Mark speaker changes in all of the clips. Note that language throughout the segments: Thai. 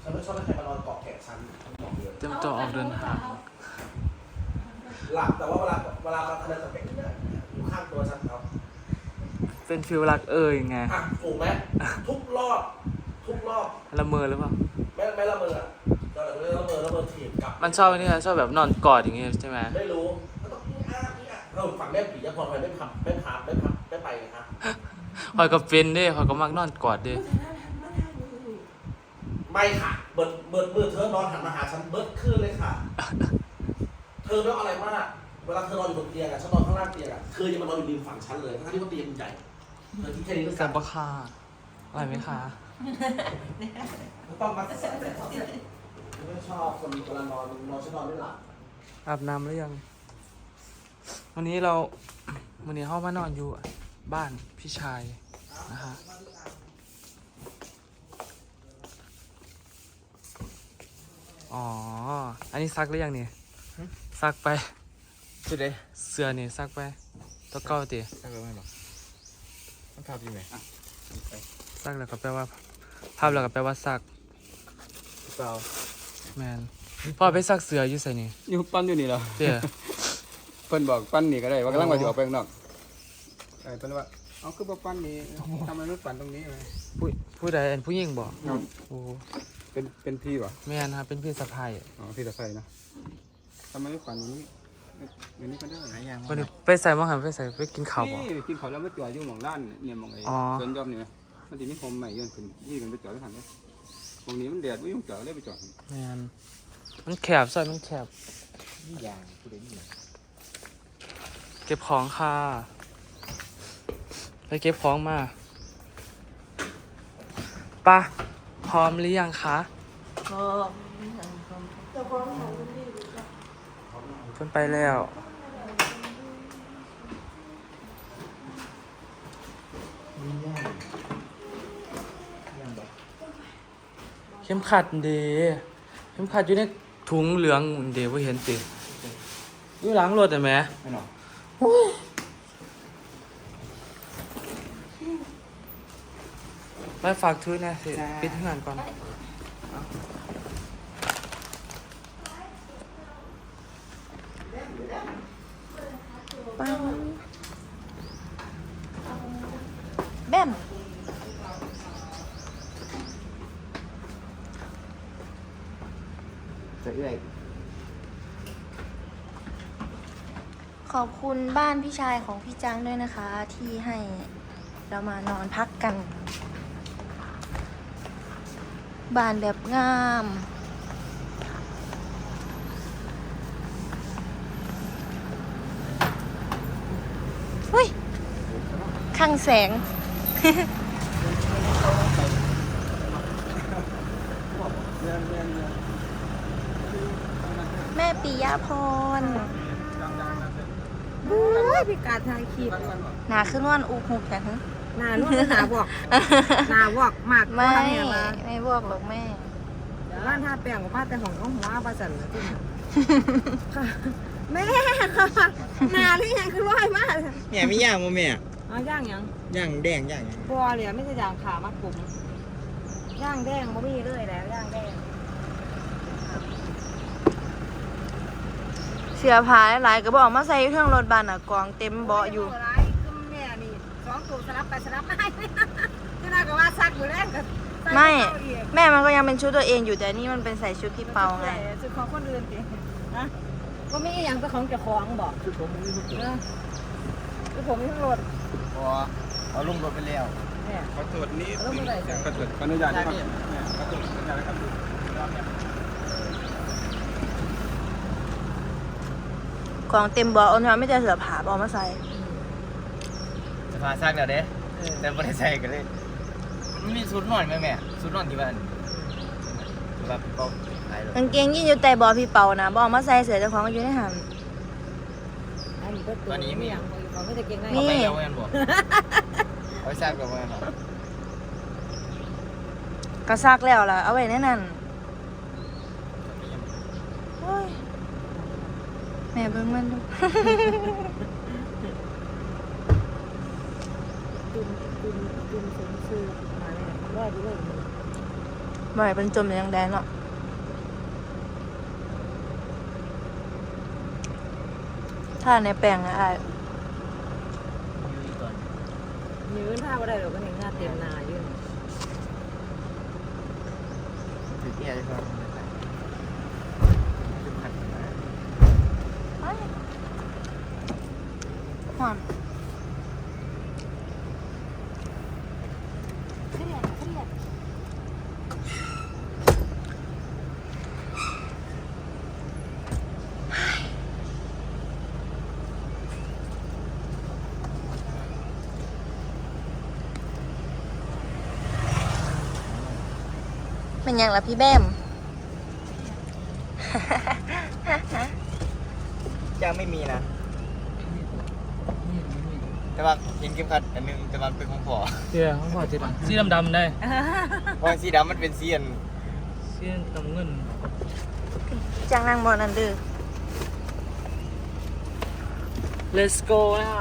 Speaker 1: ฉันไม่ชอบให้ใครมานอนเกาะแขนฉันบอกเลย
Speaker 2: เตรียมตัวออกเดินทาง
Speaker 1: หลับแต่ว่าเวลามาคะแนนสังเกตเนี่ยอยู่ข้างตัวฉันครับ
Speaker 2: เป็นฟิลรักเอ่ยไง
Speaker 1: อ่ะถูกไหมทุกรอบ
Speaker 2: ละเมอหรือเปล่า
Speaker 1: ไม่ละเมอตอนหลังละเมอถีบกลับ
Speaker 2: มันชอบนี่ชอบแบบนอนกอดอย่างเงี้ยใช่ไหม
Speaker 1: ไม่รู้ก็ต้องเราฝั่งแม่ผีจะพอไปไม่ไปนะครับ
Speaker 2: คอยก็เป็นเด้คอยก็มักนอนกอดเด้
Speaker 1: ไม่ค่ะเบิดเธอนอนหันมาหาฉันเบิดขึ้นเลยค่ะ เธอไม่เอาอะไรมากเวลาเธอนอนอยู่บนเตียงอะฉันนอนข้างล่างเตียงอะเธอยังมานอนอยู่ริมฝั่งฉันเลยทั้งที่ว่าเตียงใหญ่เธอที่แค่นี้ก็
Speaker 2: แซ่บปะค่ะอะไรไหมคะ
Speaker 1: ไม่ต้องมาแสะไม่ชอบคนเวลานอนฉันนอนไม่หลับ
Speaker 2: อาบน้ำหรือยัง วันนี้เข้ามานอนอยู่บ้านพี่ชายนะฮะอ๋อ อันนี้ซักหรือยังเนี่ยซักไป
Speaker 3: สุดเลย
Speaker 2: เสื้อนี่ซักไปตัวเก่าติ
Speaker 3: ถ้าเกิดไม่หรอกต้องทำยังไง
Speaker 2: ซักแล้วก็แปลว่าภาพแล้วก็แปลว่าซัก
Speaker 3: เปล่า
Speaker 2: แมนพ่อไปซักเสื้ออยู่ใส่นี่
Speaker 4: อยู่ปั้นอยู่นี่เหรอ
Speaker 2: เดี๋ยว
Speaker 4: เพิ่นบอกปั้นนี่ก็ได้ว่ากำลังว่าจะออกไปข้างนอกไอ้เพิ่นว่าเอาคือบ่ปั้นนี่ทำไมไม่ปั้นตรงนี้เลย
Speaker 2: ผู้ใดผู้หญิงบอกโอ้
Speaker 4: เป็นพี่ป่ะ
Speaker 2: แม่นครับเป็นพี่สะพ้าย
Speaker 4: อ๋อพี่ตะไคร้นะทำไมไม่ปั้นตรงนี้อย่างนี้ก็ได้
Speaker 3: หายยัง
Speaker 2: วันนี้ไปใส่มาหันไปใส่ไปกินข้าวบ่
Speaker 4: นี่กินข้าวแล้วไม่จอดอยู่หม่องร้านเนี่ยหม่องไอ้
Speaker 2: อ๋อ
Speaker 4: สวนยอมนี่มันสิมีโฮมใหม่ยื่นขึ้นยี่กันไปจอดที่หันเลยตรงนี้มันแดดบ่ยุ่งจอดเลยไปจอด
Speaker 2: แม่นมันแคบซอยมันแคบ
Speaker 3: นี่ยางกูได้ยิน
Speaker 2: เก็บของค่ะไปเก็บของมาปะพร้อมหรือยังคะเพิ่นไปแล้วเข้มขัดเดเข้มขัดอยู่ในถุงเหลืองเดว่าเห็นติอยู่หลังรถแต่แหม่
Speaker 4: ไม่หรอก
Speaker 2: ไปฝากถือนะสิปิดงานก่อน
Speaker 5: ปังแบม
Speaker 3: จะเอื้อย
Speaker 5: ขอบคุณบ้านพี่ชายของพี่จังด้วยนะคะ ที่ให้เรามานอนพักกัน บ้านแบบงามเฮ้ยข้างแสง แม่ปิยาพร
Speaker 6: โอ้ยพี่การถ่ายคลิป
Speaker 5: หนาขึ้นวันอุกหุกแต่ฮะ
Speaker 6: หน้านุ่นหน้าบอกหน้าบอกมาก
Speaker 5: ไม่
Speaker 6: ทำเนี่ยมา
Speaker 5: ไม่บอกหรอกแม่
Speaker 6: ร้านท่าแป้งออกมาแต่ของน้องหัวประสันนะที่ค่ะแม่ค่ะหน้าหรือยังคือร้อยมาก
Speaker 3: แม่ไม่ย่างมั้แม่
Speaker 6: เอาย่างยัง
Speaker 3: ย่างแดงย่างยัง
Speaker 6: บัวเลยไม่ใช่ย่างขามากลุ่มย่างแดงบ่มีเลยแล้วย่างแดง
Speaker 5: เสียผาหลายๆก็บอกมาใส่อยู่เครื่องรถบัสอ่ะกองเต็มเบาะอยู่
Speaker 6: ไรคือแม่นี่สองตัวสลับไปสลับมาให้ที่น่าก็ว่าซักอยู่แล้วก็
Speaker 5: ไม่ แม่มันก็ยังเป็นชุดตัวเองอยู่แต่นี่มันเป็นใส่ชุดพี่เปาไง
Speaker 6: ชุดของคนอื่นสินะก็มีอย่างเป็นของเจ้าของบอก
Speaker 3: ชุดผมไม่ชุด
Speaker 6: คือผมมีทั้งรถ
Speaker 3: พอเอาลงรถไปแล้ว
Speaker 6: เนี่ย
Speaker 4: ขอตรวจนี้
Speaker 6: แล้วเมื่อไหร่จะ
Speaker 4: ขอตรวจขออนุญาตนะครับขอตรวจอนุญาตนะครับ
Speaker 5: กองเต็มเบาะเอาเนื้อไม่ได้เสือผาเอามาใส่
Speaker 3: จะพาซักแล้วเด้แต่ไม่ได้ใส่กันเลยมันมีชุดนอนไหมแม่ชุดนอนที่บ้านแบบก็หายเลย
Speaker 5: กางเกงยีนอยู่แต่เบาะพี่เปานะบอกมาใส่เสือเจ้าของอยู่ในหัน
Speaker 6: อันนี้ก็ตัวนี้ไม่อย่างเขาไม่ได้เก่งได้
Speaker 5: มี
Speaker 3: เอาไปแล้วแม่บอกเอาไปซักแล้วแม่บอก
Speaker 5: กระซักแล้วล่ะเอาไว้ในนั้นโอ้ยแม่เบิ่งมันดู
Speaker 6: ตุนสมซื้อมาเลยรอดด้วย
Speaker 5: บ่ให้เป็นจมอย่างแดงเนาะถ้าในแปลงนะอ้าย
Speaker 3: อยู่อีกก่อน
Speaker 6: ยืนท่าบ่ได้หรอกก็เห็นหน้าเต็มหน้าอยู่
Speaker 3: ถือแก่เลยครับขึ้นผัดมา
Speaker 5: หอมเครียดเครียดเป็นยังล่ะพี่แบม
Speaker 3: ยังไม่มีนะ แต่ว่าเห็นเข็มขัดอันหนึงแต่มันเป็นของพ่อ
Speaker 2: เดี๋ยวเขาบอกจะสีดำๆได้
Speaker 3: เพราะสีดำมันเป็นสีอัน
Speaker 2: สีดำเงิน
Speaker 5: จังนางบอนันเดือ
Speaker 2: Let's go นะคะ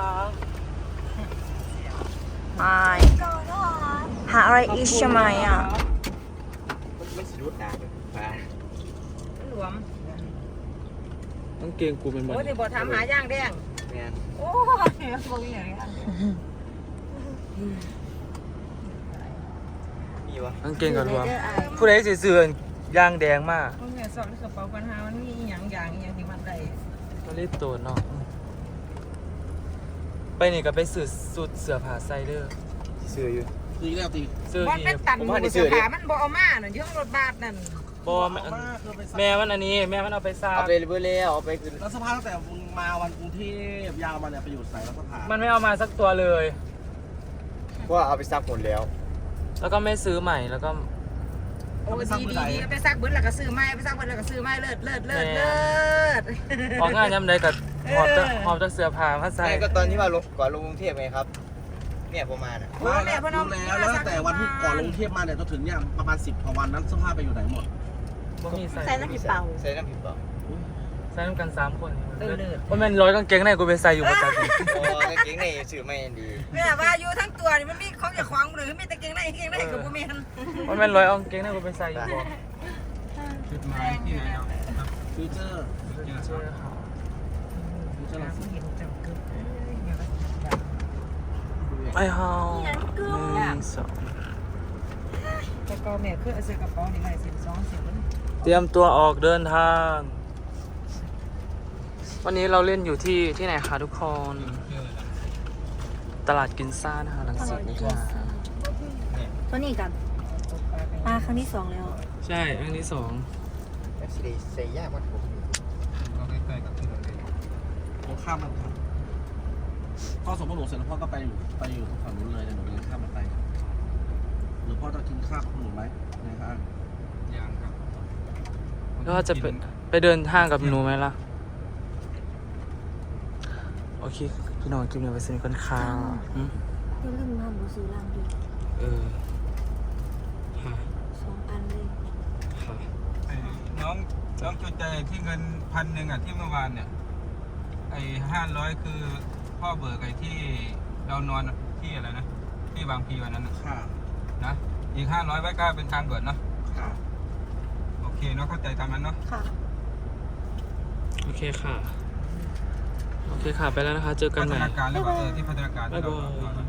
Speaker 5: ไม่หาอะไรอีกใช่ไหมอ่ะ
Speaker 3: มันสีรุดด่าเลยฟ้า
Speaker 6: หลวม
Speaker 2: ต้องเกงกูเป็นบอล
Speaker 6: โอ้ยที่บ่ถามหาย่างแดง
Speaker 3: แม่น
Speaker 6: โอ้ยบ่มีหยัง
Speaker 3: มีวะ
Speaker 2: ต้องเกงกับรวมผู้ใดสิซื้อยางแดงมาก
Speaker 6: มันแม่สอบในกระเป๋าปัญหามันมีอีหยังอย่างอีหยังที่มันได้
Speaker 2: มารีบตัวเนาะไปนี่ก็ไปซื้อสูตรเสื้อผ้าใส่เด้อ
Speaker 3: เสื้ออยู่
Speaker 1: ตีแล้วตี
Speaker 2: ซื้อ
Speaker 6: มัน
Speaker 2: ที่
Speaker 6: เป็นตันหมูเสื้อผ้ามันบ่เอามาน่ะอยู่ข้างรถบัสนั่น
Speaker 2: บอแม่มันอันนี้แม่มันเอาไปซัก
Speaker 3: เอาไปเบอร์แล้วเอาไปคือ
Speaker 1: แล้วสภาพตั้งแต่มึงมาวันกรุงเทพยาวมาเนี่ยไปอยู่ใส่แล้วสภาพ
Speaker 2: มันไม่เอามาสักตัวเลย
Speaker 3: เพราะว่าเอาไปซักหมดแล้ว
Speaker 2: แล้วก็ไม่ซื้อใหม่แล้วก็
Speaker 6: โอ้ดีไปซักเบิ้ลแล้วก็ซื้อไม้ไปซักเบิ้ลแล้วก็ซื้อไม้เลิศ
Speaker 2: ออกงานยำใดกับหอบจากเสื้อผ้ามาใส่
Speaker 3: ใช่ก็ตอนที่ว่าลงก่อนลงกรุงเทพไงครับ เนี่ยผมมาน่ะ
Speaker 1: มาแล้วรู้แล้วตั้งแต่วันที่ก่อนลงเทพมาเนี่ยจนถึงเนี่ยประมาณ10 กว่าวันนั้นเสื้อผ้าไปอยู่ไหนหมด
Speaker 2: บ่มีใส่
Speaker 5: ใส่น้ำผิดเปล่า
Speaker 3: ใส่น้ำผิดเปล่า
Speaker 2: ใส่น้ำกัน3 คนว่ามันร้อยกางเกงในกูไปใส่อยู่ประจำ
Speaker 3: โอ้กางเกงในสื่อไม่ดี
Speaker 6: แม่ว่าอยู่ทั้งตัวนี่มันมีของอย่าขวางหรือมีแต่เกงในกับบ่มีหัน
Speaker 2: ว่ามันร้อยกางเกงในกูไปใส่อยู่บ่
Speaker 4: จุดหมายที่ไหนเนาะ
Speaker 1: ฟิวเจอร์
Speaker 2: เชื่อเขา
Speaker 1: ฟิวเจอร์ลังสิต
Speaker 2: ไอ้เฮา1 2
Speaker 6: กระเป๋าแม่คือเอาใส่กระเป๋านี่ไว้12 10
Speaker 2: เตรียมตัวออกเดินทาง วันนี้เราเล่นอยู่ที่ไหนคะทุกคน ตลาดกินซ่านะคะหลังสิตนะคะ
Speaker 5: ตัวนี้กันมาครั้งที่2แล้ว
Speaker 2: ใช่ครั้งที่
Speaker 3: แม็กซี่ใส่ยากกว่าผม
Speaker 4: ก็ใกล้ๆกับที่เราเล่น
Speaker 1: ตรงข้ามมันครับพ่อสมมติหนูเสร็จแล้วพ่อก็ไปอยู่ตรงฝั่งนู้นเลยเดี๋ยวหนูไปเล่นข้ามมันไปหรือพ่อจะกินข้าวกับหนูไหมนะครับ
Speaker 4: ยังครับ
Speaker 2: 2แล้วก็จะไปเดินห้างกับหนูไหมล่ะ โอเค พี่น้องคลิปนี้ไปสนิทกันค่ะอืม
Speaker 5: อย่าลืมทำหนูซื้อล่างด้วย
Speaker 2: เออค่ะ
Speaker 5: 2 อันเลย
Speaker 2: ค่ะ
Speaker 4: ไอ้น้องจุดใจที่เงิน1,000อ่ะที่เมื่อวานเนี่ยไอ้500คือพ่อเบิกไอ้ที่เรานอนที่อะไรนะที่บางพีวันนั้นนะ
Speaker 1: ค่ะ
Speaker 4: นะอีก500ไว้ก็เป็นทางด่วนเนาะ
Speaker 1: ค่ะ
Speaker 4: โอเคเนาะเข้าใจตามนั้นเนาะ
Speaker 5: ค่ะ
Speaker 2: โอเคค่ะ โอเคค่ะ ไปแล้วนะคะ เจอกันใหม่
Speaker 4: พัฒนาการแล้วว่าที่พัฒนาการ
Speaker 2: บ๊ายบาย
Speaker 4: เรา